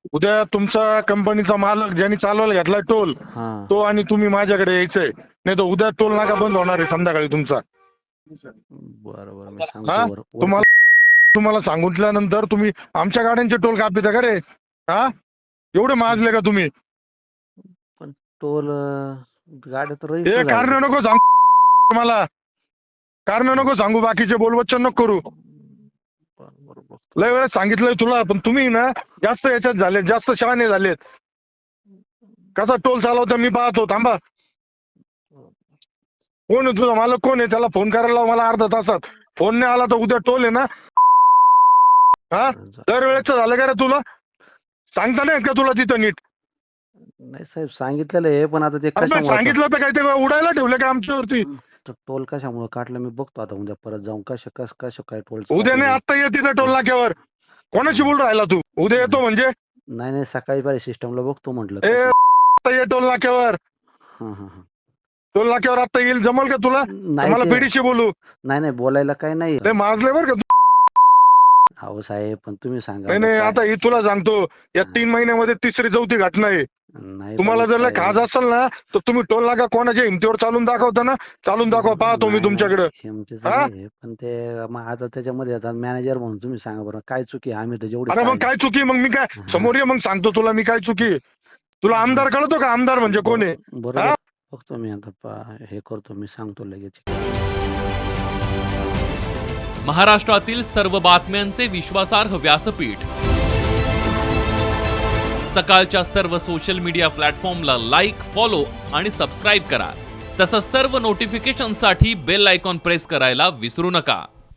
उद्या तुमचा कंपनीचा मालक ज्यांनी चालवायला घेतलाय टोल हा तो आणि तुम्ही माझ्याकडे यायचंय, नाही तर उद्या टोल नाका बंद होणार आहे संध्याकाळी तुमचा. बरं बरं मी हा सांगतो वरती. तुम्हाला सांगितल्यानंतर तुम्ही आमच्या गाड्यांचे टोल कापिता का रे? हा एवढे माजले का तुम्ही? पण टोल गाड्या तर हे रजिस्टर कारण झाल्या. नको सांगू मला, कारण नको सांगू, बाकीचे बोलवच्चन नको करू. बरोबर बघतो. लय वेळेस सांगितलंय तुला, पण तुम्ही ना जास्त याच्यात झाले, जास्त शहाणे झालेत. कसा टोल चालवता मी पाहतो, थांबा. कोण आहे तुझा मालक, कोण आहे? त्याला फोन करायला लाव मला अर्धा तासात. फोन नाही आला तर उद्या टोल आहे ना. हा दरवेळेच झालं का रे तुला? सांगता नाही येत का तुला तिथं नीट? नाही साहेब सांगितलेलं आहे, पण आता ते अरे पण कशामुळे सांगितलं तर काय ते उडायला ठेवलं का आमच्यावरती? टोल कशामुळे काढलं मी बघतो आता उद्या परत जाऊन कसं काय टोल. उद्या नाही, आता ये तिथं टोल नाक्यावर. कोणाशी बोल राहिला तू? उद्या येतो म्हणजे? नाही नाही सकाळी पाहिजे सिस्टमला बघतो म्हटलं. ए आता ये टोल नाक्यावर. हा हा हा टोल नाक्यावर आता येईल, जमल का तुला? नाही मला ते- बीडीशी बोलू? नाही नाही बोलायला काय नाही. ते माजले बरं का. अहो साहेब पण तुम्ही सांगा नाही नाही, आता ही तुला सांगतो, या 3 महिन्यामध्ये तिसरी चौथी घटना आहे. नाही तुम्हाला पण जर लय साहेब, खाज असेल ना तर तुम्ही टोल नाका कोणाच्या हिमतीवर चालून दाखवता ना, चालून दाखवा, पाहतो मी नाही, तुमच्याकडे. नाही, हिमतीचं हा? नाही, पण ते मग आता त्याच्यामध्ये आता मॅनेजर म्हणून तुम्ही सांगा बरं काय चुकी आहे? आम्ही तर जेवढे अरे मग काय चुकी? मग मी काय समोर ये, मग सांगतो तुला मी काय चुकी. तुला आमदार कळतो का? आमदार म्हणजे कोण आहे? बरोबर बघतो मी आता हे करतो, मी सांगतो लगेच. महाराष्ट्रातील सर्व बातम्यांचे विश्वासार्ह व्यासपीठ, सकाळच्या सर्व सोशल मीडिया प्लॅटफॉर्मला लाईक, फॉलो आणि सबस्क्राईब करा. तसंच सर्व नोटिफिकेशनसाठी बेल आयकॉन प्रेस करायला विसरू नका.